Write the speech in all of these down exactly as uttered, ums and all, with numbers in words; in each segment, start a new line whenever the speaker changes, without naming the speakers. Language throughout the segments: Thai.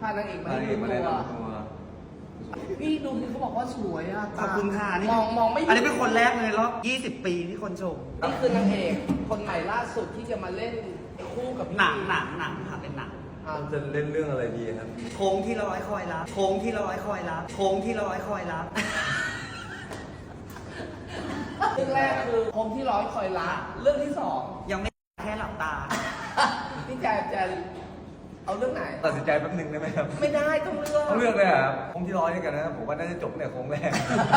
พานางเอกมา
พา
ให้
เอก
ดู
มา
ตั
แนะ
วน
ำตัว
นี่ดูที่เขาบอกว่าสวยอ่ะ
ขอบคุณค่ะนี่
มองมองไม่
อันนี้เป็นคนแรกเลยรอบยี่สิบปีที่คนชม
นี่คือนางเอกคนใหม่ล่าสุดที่จะมาเล่นคู่กับพี่
หนังหนังหนังค่ะเป็นหนัง
อ่า
จะเล่นเรื่องอะไรดีครับ
โค้งที่ร้อยคอยรับโค้งที่ร้อยคอยรับโค้งที่ร้อยคอยรับ
เรื่องแรกคือคมที่ร้อยคอยละเรื่องที่สอง
ยังไม่แค่หลับตา
พี่แจจะเอาเรื่องไหน
ตัดสินใจแป๊บนึงได้ไหมครับ
ไม่ได้ต้องเลือก
ต้องเลือกเลยเหรอครับโค้งที่ร้อยด้วยกันนะครับผมว่าน่าจะจบเนี่ยโค้งแรก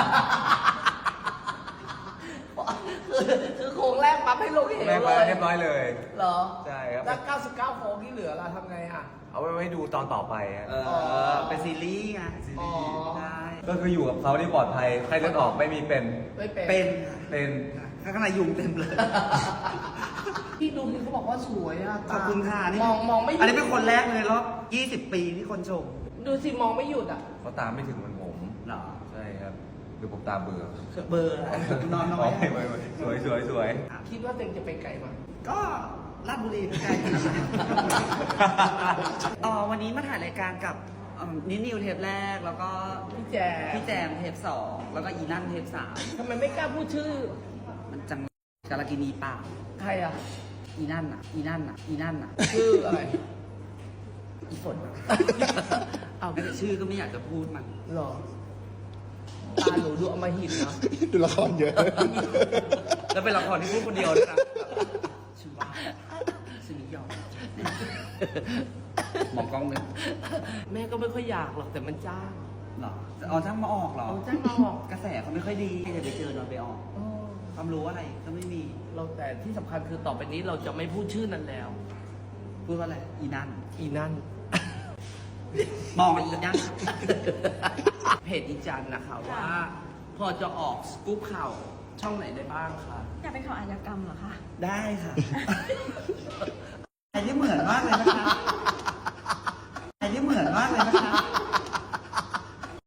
คือคือโค้งแรกปั๊บให้ลงเหว
แรก
เล
มาย เรียบร้อยเลย
เหรอ
ใช่ครับ
แล้วเก้าสิบเก้าโค้งที่เหลือล่ะทำไงอ่ะ
เอาไว้ไว้ดูตอนต่อไปอะ
เออเป็นซีรีส์ไงซีรีส์
อ๋อ
ใช่
ก็คืออยู่กับเขาที่ปลอดภัยใครเลือดออกไม่มีเป็น
ไม่เป็น
เป็น
เป็น
ข้างในยุงเต็มเลย
พี่ดูที่เขาบอกว่าสวยอ่ะ
ขอบคุณค่ะนี่
มองมองไม่หยุด
อันนี้เป็นคนแรกเลยรอบยี่สิบปีที่คนชม
ดูสิมองไม่หยุดอ่ะ
เขาตามไม่ถึงเหมือนผม
เหรอ
ใช่ครับหรือผมตามเบื่อ
เบอร์อะไรนอนน้อย
ไม่ไม่ไม่สวยสวยสวย
คิดว่าตัวเองจะไปไกลไหม
ก็ลาดบุรีไม่ไกลขนาดนั้นอ๋อวันนี้มาถ่ายรายการกับเอิ่มนิดนิวเทปแรกแล้วก็
พี่แจ
พี่แจมเทปสองแล้วก็อีนั่นเทปสาม
ทำไมไม่กล้าพูดชื่อ
มันจังกาลกินีปาก
ใครอ่ะ
อีนั่นอ่ะ อีนั่นอ่ะ อีนั่นอ่ะ
ชื่ออะไร
อีฝนอะเอาไม่ได้ชื่อก็ไม่อยากจะพูดมัน
หรอตาหนูดูอมหิตนะ
ดูละครเยอะ
แล้วเป็นละครที่พูดคนเดียวด้วยนะชื่อว่าสนิยอมมองกล้องหนึ่ง
แม่ก็ไม่ค่อยอยากหรอกแต่มันจ้าง
เหรอเอาจ้างมาออกเหรอ
เอาจ้างมาออก
กระแสเขาไม่ค่อยดีจะไปเจอนอนไปออก
อ๋อ
ความรู้อะไรก็ไม่มี
เราแต่ที่สำคัญคือต่อไปนี้เราจะไม่พูดชื่อนั้นแล้ว
พูดว่าอะไร อีนั่น
อีนั่น
มองอีนั่น
เพจอีจันนะคะว่า พอจะออกสกู๊ปข่าวช่องไหนได้บ้างคะ
อยากเป็นข่าวอาชญากรรมเหรอคะ
ได้ค่ะ อันนี้เหมือนมากเลยนะคะ